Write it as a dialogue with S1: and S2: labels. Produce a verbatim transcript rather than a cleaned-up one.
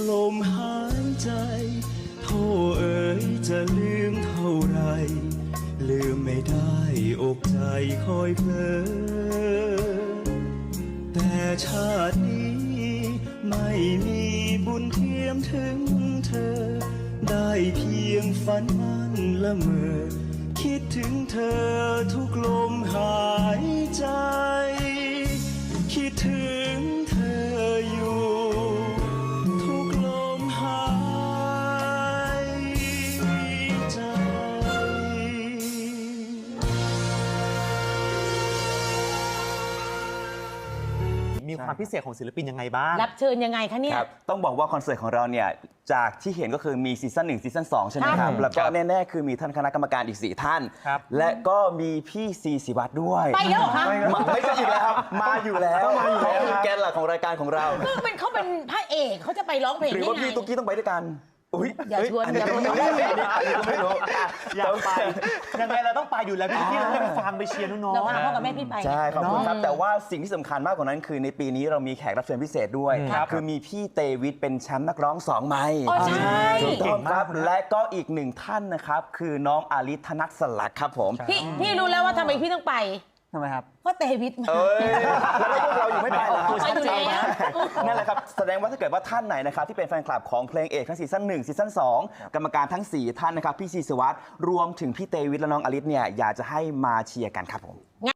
S1: ลมหายใจโทษเอ๋ยจะลืมเท่าไรลืมไม่ได้อกใจคอยเพลอแต่ชาตินี้ไม่มีบุญเทียมถึงเธอได้เพียงฝันมันละเมอคิดถึงเธอทุกลมหายใจคิดถึงเธออยู่ทุกลมหายใจ
S2: มีความพิเศษของศิลปินยังไงบ้าง
S3: รับเชิญยังไงคะเนี่ย
S4: ครับต้องบอกว่าคอนเสิร์ตของเราเนี่ยจากที่เห็นก็คือมีซีซั่นหนึ่งซีซั่นสองใช่ไหมครับแล้วก็แน่ๆคือมีท่านคณะกรรมการอีกสี่ท่านและก็มีพี่ซีศิวัตรด้วย
S3: ไปแล้วเหรอคะ
S4: ไม่ใช่อีกแล้วครับมาอยู่แล้วเขาคือแกนหลักของรายการของเรา
S3: คือเป็นเขาเป็นพระเอกเขาจะไปร้องเพลง
S4: หรือ
S3: ได้
S4: ว่า
S3: ไง
S4: พี่ตุ๊กกี้ต้องไปด้วยกันอุ้ย
S3: อย่าชวนอย่าชวน
S4: ไม่รู้
S2: อยากไปยังไงเราต้องไปอยู่แล้วพี่ที่เราได้ไปฟังไปเชียร์น้อง
S3: เรา
S2: ๆ
S3: พาพ่อกับแม่พี่ไป
S4: ใช่ขอบคุณครับแต่ว่าสิ่งที่สำคัญมากกว่านั้นคือในปีนี้เรามีแขกรับเชิญพิเศษด้วยคือมีพี่เตวิทเป็นแชมป์นักร้องสองไมค์
S3: อ๋อใช่
S4: ถูกต้องครับและก็อีกหนึ่งท่านนะครับคือน้องอาริธนัทสลักครับผม
S3: พี่พี่รู้แล้วว่าทำไมพี่ต้องไป
S4: ทำไมครับ
S3: เพราะเตวิทมา
S4: เอ้ยแล้วพวกเราอยู่ไม่ไปเหรอครับ
S3: ไปอยู่แล้ว
S4: นั่นแหละครับแสดงว่าถ้าเกิดว่าท่านไหนนะครับที่เป็นแฟนคลับของเพลงเอกทั้งซีซั่นหนึ่งซีซั่นสองกรรมการทั้งสี่ท่านนะครับพี่ซีสวัสดิ์รวมถึงพี่เตวิทและน้องอลิศเนี่ยอยากจะให้มาเชียร์กันครับผม